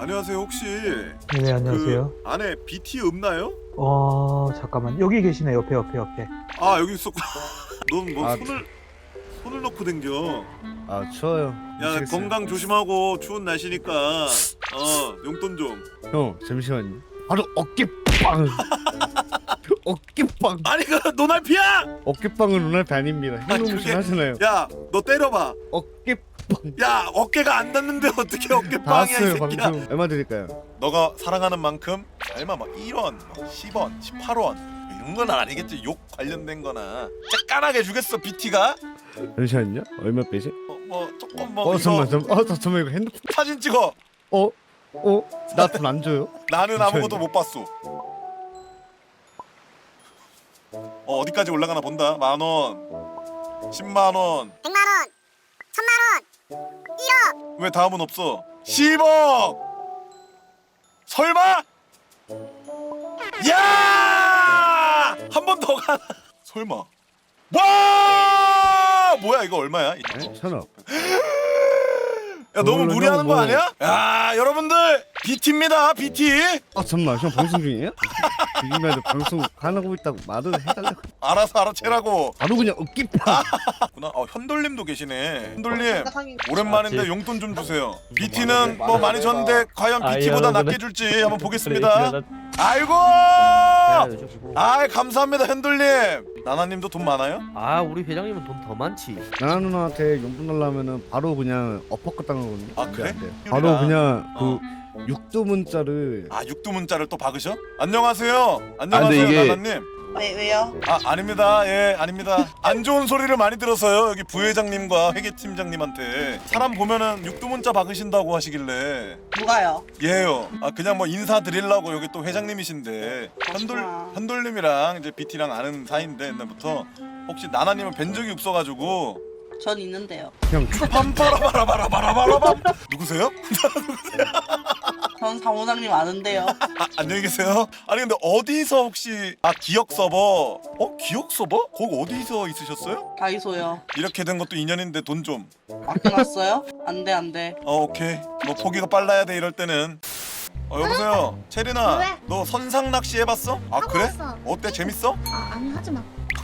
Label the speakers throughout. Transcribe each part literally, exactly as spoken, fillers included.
Speaker 1: 안녕하세요. 혹시
Speaker 2: 네, 안녕하세요.
Speaker 1: 그 안에 비티 없나요?
Speaker 2: 어, 잠깐만. 여기 계시네. 옆에, 옆에, 옆에.
Speaker 1: 아 여기 있었구나. 넌 뭐
Speaker 3: 아,
Speaker 1: 손을 손을 놓고 댕겨.
Speaker 3: 아 추워요.
Speaker 1: 야
Speaker 3: 미치겠어요.
Speaker 1: 건강 조심하고 추운 날씨니까 어 용돈 좀.
Speaker 3: 형 잠시만요. 바로 어깨빵. 어깨빵.
Speaker 1: 아니 그 노날피야!
Speaker 3: 어깨빵은 루날피 아닙니다.
Speaker 1: 아,
Speaker 3: 힐로무신
Speaker 1: 그게-
Speaker 3: 하잖아요.
Speaker 1: 야 너 때려봐.
Speaker 3: 어깨빵.
Speaker 1: 야 어깨가 안 닿는데 어떻게 어깨빵이야 이
Speaker 3: 나왔어요
Speaker 1: 새끼야.
Speaker 3: 방금. 얼마 드릴까요?
Speaker 1: 너가 사랑하는 만큼 얼마 막 일 원, 막 십 원, 십팔 원 이런 건 아니겠지. 욕 관련된 거나 쬐깐하게 주겠어 비티가.
Speaker 3: 잠시만요. 얼마 빼지?
Speaker 1: 어, 뭐 조금 뭐
Speaker 3: 어
Speaker 1: 이거
Speaker 3: 잠깐만 잠깐만. 어 잠깐만 이거 핸드폰.
Speaker 1: 사진 찍어.
Speaker 3: 어? 어? 나 돈 안 줘요?
Speaker 1: 나는
Speaker 3: 잠시만요.
Speaker 1: 아무것도 못 봤어. 어 어디까지 올라가나 본다. 만 원, 십만 원,
Speaker 4: 백만 원, 천만 원, 일억.
Speaker 1: 왜 다음은 없어? 십억. 설마? 야! 한 번 더 가. 설마? 와! 뭐야 이거 얼마야?
Speaker 3: 네? 천억.
Speaker 1: 야 너무
Speaker 3: 그걸로
Speaker 1: 무리하는
Speaker 3: 형
Speaker 1: 거
Speaker 3: 뭐-
Speaker 1: 아니야? 야 여러분들 비티입니다 비티.
Speaker 3: 아 잠깐만 형 방송 중이에요? 지금이라도 방송 가능하고 있다고 말을 해달라고.
Speaker 1: 알아서 알아채라고.
Speaker 3: 바로 그냥 어깨빵.
Speaker 1: 구나. 어 현돌님도 계시네. 현돌님 오랜만인데 용돈 좀 주세요. 비티는 뭐 많이 줬는데 과연
Speaker 5: 아,
Speaker 1: 비티보다
Speaker 5: 예,
Speaker 1: 낮게 줄지 한번 보겠습니다. 아이고. 아 감사합니다 현돌님. 나나님도 돈 많아요?
Speaker 5: 아 우리 회장님은 돈 더 많지.
Speaker 3: 나나 누나한테 용돈 달라면은 바로 그냥 어퍼컷 당하거든요.
Speaker 1: 아, 그래?
Speaker 3: 안 돼. 바로 그냥
Speaker 1: 어.
Speaker 3: 그 육두 문자를.
Speaker 1: 아 육두 문자를 또 박으셔? 안녕하세요. 안녕하세요
Speaker 6: 아, 근데 이게-
Speaker 1: 나나님.
Speaker 4: 왜 왜요?
Speaker 1: 아 아닙니다. 예 아닙니다. 안 좋은 소리를 많이 들어서요. 여기 부회장님과 회계팀장님한테 사람 보면은 육두문자 박으신다고 하시길래
Speaker 4: 누가요?
Speaker 1: 예요. 아 그냥 뭐 인사드리려고. 여기 또 회장님이신데 현돌
Speaker 4: 그렇구나.
Speaker 1: 현돌님이랑 이제 비티랑 아는 사이인데 옛날부터 혹시 나나님은 뵌 적이 없어가지고
Speaker 4: 전 있는데요.
Speaker 3: 그냥
Speaker 1: 빰빠라바라바라바라바라밤 누구세요?
Speaker 4: 전 사무장님 아는데요.
Speaker 1: 아, 안녕히 계세요. 아니 근데 어디서 혹시 아 기억 서버? 어 기억 서버? 거기 어디서 있으셨어요?
Speaker 4: 다이소요.
Speaker 1: 이렇게 된 것도 인연인데 돈 좀.
Speaker 4: 맡겨놨어요? 안돼 안돼.
Speaker 1: 어 오케이. 뭐 포기가 빨라야 돼 이럴 때는. 어 여보세요. 체리나
Speaker 7: 왜?
Speaker 1: 너 선상 낚시 해봤어? 아
Speaker 7: 하고
Speaker 1: 그래?
Speaker 7: 왔어.
Speaker 1: 어때 재밌어?
Speaker 7: 아 아니 하지마.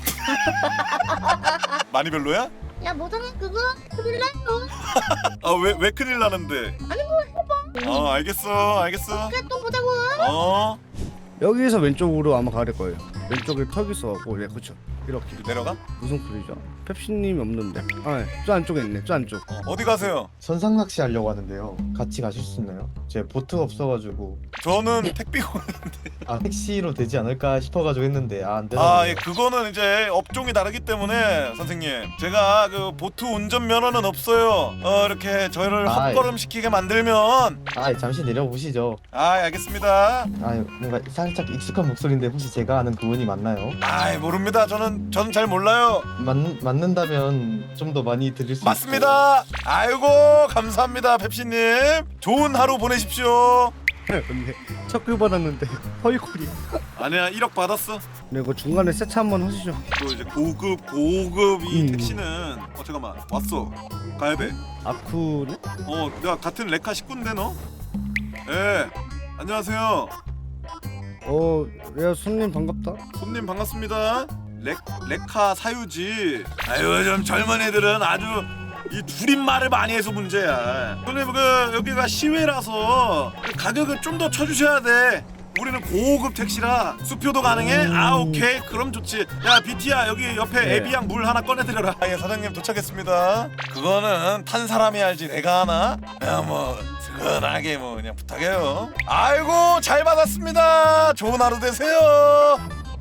Speaker 1: 많이 별로야?
Speaker 7: 야 뭐잖아 그거 큰일 나요.
Speaker 1: 아 왜 왜 큰일 나는데?
Speaker 7: 아니 뭐 해봐.
Speaker 1: 어 알겠어 알겠어.
Speaker 7: 그래 또 보자고.
Speaker 1: 어
Speaker 3: 여기서 왼쪽으로 아마 가야 될 거예요. 왼쪽에 턱 있어갖고 네 그쵸. 이렇게
Speaker 1: 내려가?
Speaker 3: 무슨 소리죠? 펩시님이 없는데. 아, 저 안쪽에 있네. 저 안쪽.
Speaker 1: 어, 어디 가세요?
Speaker 6: 선상 낚시 하려고 하는데요. 같이 가실 수 있나요? 제 보트가 없어가지고
Speaker 1: 저는 택비고.
Speaker 6: 아 택시로 되지 않을까 싶어가지고 했는데 아 안 되나.
Speaker 1: 아, 예, 그거는 이제 업종이 다르기 때문에 선생님 제가 그 보트 운전 면허는 없어요. 어 이렇게 저희를
Speaker 6: 아이.
Speaker 1: 헛걸음 시키게 만들면
Speaker 6: 아 잠시 내려보시죠.
Speaker 1: 아 알겠습니다.
Speaker 6: 아 뭔가 살짝 익숙한 목소리인데 혹시 제가 아는 그분이 맞나요?
Speaker 1: 아 모릅니다. 저는 저는 잘 몰라요.
Speaker 6: 맞 맞는다면 좀 더 많이 드릴 수
Speaker 1: 맞습니다. 아이고 감사합니다 펩시님. 좋은 하루 보내십시오.
Speaker 3: 근데 척글 받았는데 허위콜이.
Speaker 1: 아니야 일억 받았어.
Speaker 3: 네, 그 중간에 세차 한번 하시죠.
Speaker 1: 또 이제 고급 고급 이
Speaker 3: 음.
Speaker 1: 택시는 어 잠깐만 왔어. 가야 돼.
Speaker 3: 아쿠네?
Speaker 1: 어 내가 같은 레카 식구인데 너? 예 안녕하세요.
Speaker 3: 어, 야 손님 반갑다.
Speaker 1: 손님 반갑습니다. 레, 레카 사유지. 아유 요즘 젊은 애들은 아주 이 줄임말을 많이 해서 문제야. 손님 그 여기가 시외라서 그 가격을 좀 더 쳐주셔야 돼. 우리는 고급 택시라 수표도 가능해? 아 오케이 그럼 좋지. 야 비티야 여기 옆에
Speaker 3: 네.
Speaker 1: 에비앙 물 하나 꺼내드려라. 아, 예 사장님 도착했습니다. 그거는 탄 사람이 알지 내가 하나? 그냥 뭐 스근하게 뭐 그냥 부탁해요. 아이고 잘 받았습니다. 좋은 하루 되세요.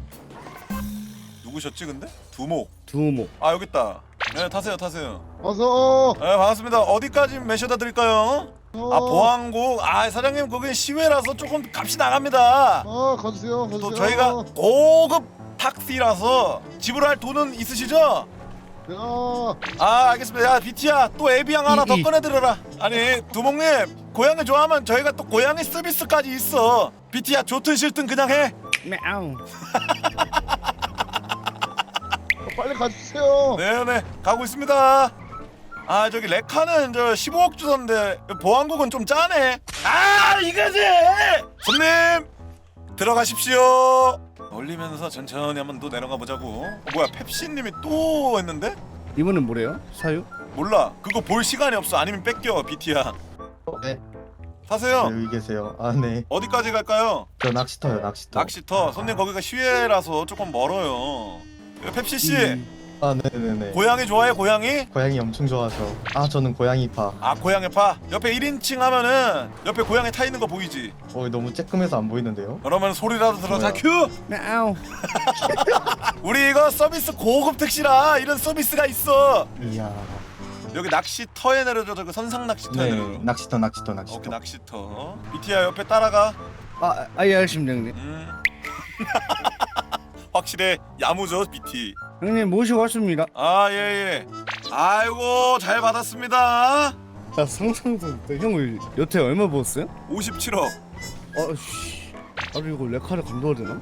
Speaker 1: 누구셨지 근데? 두목.
Speaker 3: 두모.
Speaker 1: 아 여기 있다. 네 타세요 타세요.
Speaker 6: 어서.
Speaker 1: 네 반갑습니다. 어디까지 매셔다 드릴까요?
Speaker 6: 어.
Speaker 1: 아 보안국. 아 사장님 거기 시외라서 조금 값이 나갑니다.
Speaker 6: 어 가주세요. 가주세요.
Speaker 1: 또 저희가 고급 택시라서 지불할 돈은 있으시죠?
Speaker 6: 야.
Speaker 1: 아 알겠습니다. 야 비티야 또 에비앙 하나 더
Speaker 3: 이, 이.
Speaker 1: 꺼내드려라. 아니 두목님 고양이 좋아하면 저희가 또 고양이 서비스까지 있어. 비티야 좋든 싫든 그냥 해.
Speaker 3: мя우.
Speaker 6: 빨리 가주세요.
Speaker 1: 네네 가고 있습니다. 아 저기 레카는 저 십오억 주던데 보안국은 좀 짜네. 아 이거지. 손님 들어가십시오. 올리면서 천천히 한번 또 내려가 보자고. 어, 뭐야 펩시님이 또 했는데?
Speaker 3: 이번엔 뭐래요? 사유?
Speaker 1: 몰라. 그거 볼 시간이 없어. 아니면 뺏겨 비티야.
Speaker 6: 네,
Speaker 1: 타세요.
Speaker 6: 여기 계세요. 아, 네.
Speaker 1: 어디까지 갈까요?
Speaker 6: 저 낚시터요, 낚시터.
Speaker 1: 낚시터. 손님 거기가 시외라서 조금 멀어요. 펩시 씨
Speaker 3: 음.
Speaker 6: 아, 네네네.
Speaker 1: 고양이 좋아해 고양이?
Speaker 6: 고양이 엄청 좋아하죠. 아, 저는 고양이파.
Speaker 1: 아 고양이 파. 옆에 일 인칭 하면은 옆에 고양이 타 있는 거 보이지?
Speaker 6: 어, 너무 쬐끔해서 안 보이는데요?
Speaker 1: 그러면 소리라도 들어. 자
Speaker 6: 뭐야?
Speaker 1: 큐.
Speaker 3: мя우.
Speaker 1: 우리 이거 서비스 고급 택시라 이런 서비스가 있어.
Speaker 6: 이야.
Speaker 1: 여기 낚시터에 내려줘. 저기 선상 낚시터에
Speaker 6: 네,
Speaker 1: 내려줘.
Speaker 6: 낚시터, 낚시터, 낚시터.
Speaker 1: 오케이 낚시터. 비티야 옆에 따라가.
Speaker 3: 아, 아예 알겠습니다 형님.
Speaker 1: 음. 확실해. 야무져 비티.
Speaker 3: 형님 모시고 왔습니다.
Speaker 1: 아 예예. 아이고 잘 받았습니다.
Speaker 3: 나 상상도 못해. 형을 여태 얼마 벌었어요?
Speaker 1: 오십칠억.
Speaker 3: 아씨. 나도 이거 레카를 감도해야 되나?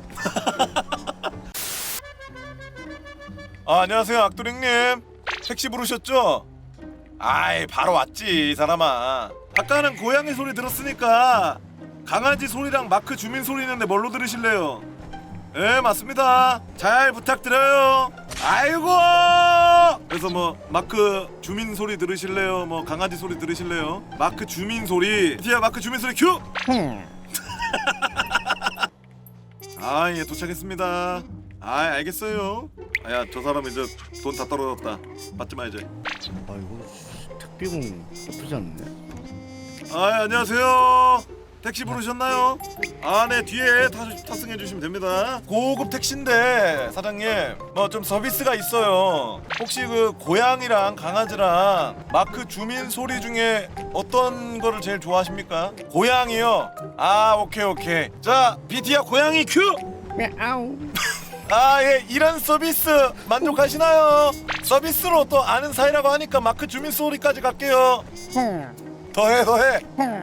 Speaker 1: 아 안녕하세요 악도링님. 택시 부르셨죠? 아이 바로 왔지 이 사람아. 아까는 고양이 소리 들었으니까 강아지 소리랑 마크 주민 소리 있는데 뭘로 들으실래요? 네 맞습니다. 잘 부탁드려요. 아이고. 그래서 뭐 마크 주민 소리 들으실래요? 뭐 강아지 소리 들으실래요? 마크 주민 소리. 디야 마크 주민 소리 큐. 아 예 도착했습니다. 아 알겠어요. 아야 저 사람 이제 돈 다 떨어졌다. 받지 마 이제.
Speaker 3: 아 이거 택배공 나쁘지 않네.
Speaker 1: 아 안녕하세요. 택시 부르셨나요? 아 네 뒤에 타, 탑승해 주시면 됩니다. 고급 택시인데 사장님 뭐 좀 서비스가 있어요. 혹시 그 고양이랑 강아지랑 마크 주민 소리 중에 어떤 거를 제일 좋아하십니까? 고양이요? 아 오케이 오케이. 자 비티야 고양이 큐.
Speaker 3: мя우.
Speaker 1: 아 예 이런 서비스 만족하시나요? 서비스로 또 아는 사이라고 하니까 마크 주민 소리까지 갈게요. 더해 더해.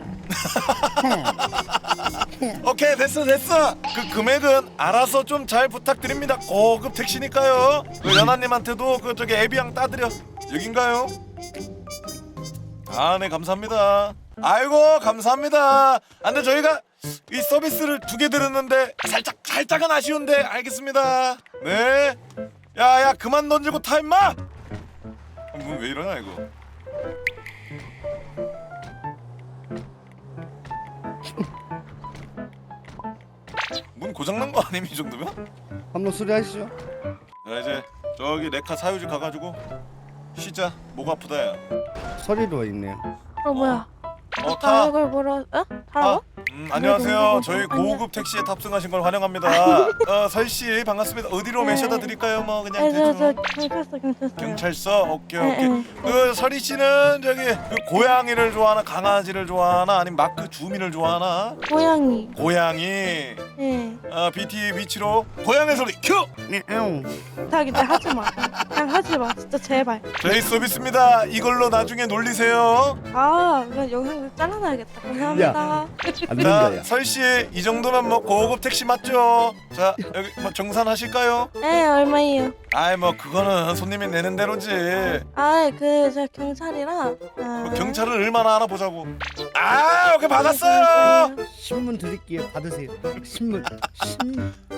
Speaker 1: 오케이 됐어 됐어. 그 금액은 알아서 좀 잘 부탁드립니다. 고급 택시니까요. 그 연하님한테도 그 저기 애비양 따드려. 여긴가요? 아 네 감사합니다. 아이고 감사합니다. 아 근데 저희가 이 서비스를 두 개 들었는데 살짝 살짝은 아쉬운데 알겠습니다. 네. 야야 그만 던지고 타 임마. 문 왜 이러냐 이거. 문 고장난 거 아님 이 정도면?
Speaker 3: 한번 수리하시죠.
Speaker 1: 자 이제 저기 레카 사유지 가가지고 쉬자. 목 아프다 야.
Speaker 3: 서리도 있네요.
Speaker 7: 어 뭐야?
Speaker 1: 어
Speaker 7: 다
Speaker 1: 타.
Speaker 7: 이걸 보러 어?
Speaker 1: 아,
Speaker 7: 타라고?
Speaker 1: 음, 안녕하세요. 저희 고급 택시에 탑승하신 걸 환영합니다. 어, 설씨 반갑습니다. 어디로
Speaker 7: 네.
Speaker 1: 모셔다 드릴까요? 뭐 그냥
Speaker 7: 네, 저, 저
Speaker 1: 대충.
Speaker 7: 경찰서 경찰서.
Speaker 1: 경찰서? 오케이
Speaker 7: 네,
Speaker 1: 오케이.
Speaker 7: 네.
Speaker 1: 그 설이 씨는 저기 그 고양이를 좋아하나 강아지를 좋아하나 아니면 마크 주민을 좋아하나?
Speaker 7: 고양이.
Speaker 1: 고양이.
Speaker 7: 예.
Speaker 1: 어, 비티 위치로 고양이 소리 큐.
Speaker 3: мя우.
Speaker 7: 부탁인데 하지 마. 그냥 하지 마. 진짜 제발.
Speaker 1: 저희 서비스입니다. 이걸로 나중에 놀리세요.
Speaker 7: 아, 이거 영상 잘라놔야겠다. 감사합니다.
Speaker 3: 안
Speaker 1: 자,
Speaker 3: 된다야.
Speaker 1: 설씨 이 정도면 뭐 고급 택시 맞죠? 자, 여기 뭐 정산하실까요?
Speaker 7: 네, 얼마예요?
Speaker 1: 아이 뭐 그거는 손님이 내는 대로지.
Speaker 7: 아, 그 저 경찰이라. 아.
Speaker 1: 뭐 경찰은 얼마나 알아보자고. 아, 오케이 받았어요.
Speaker 3: 신문 드릴게요. 받으세요. 신문. 신문.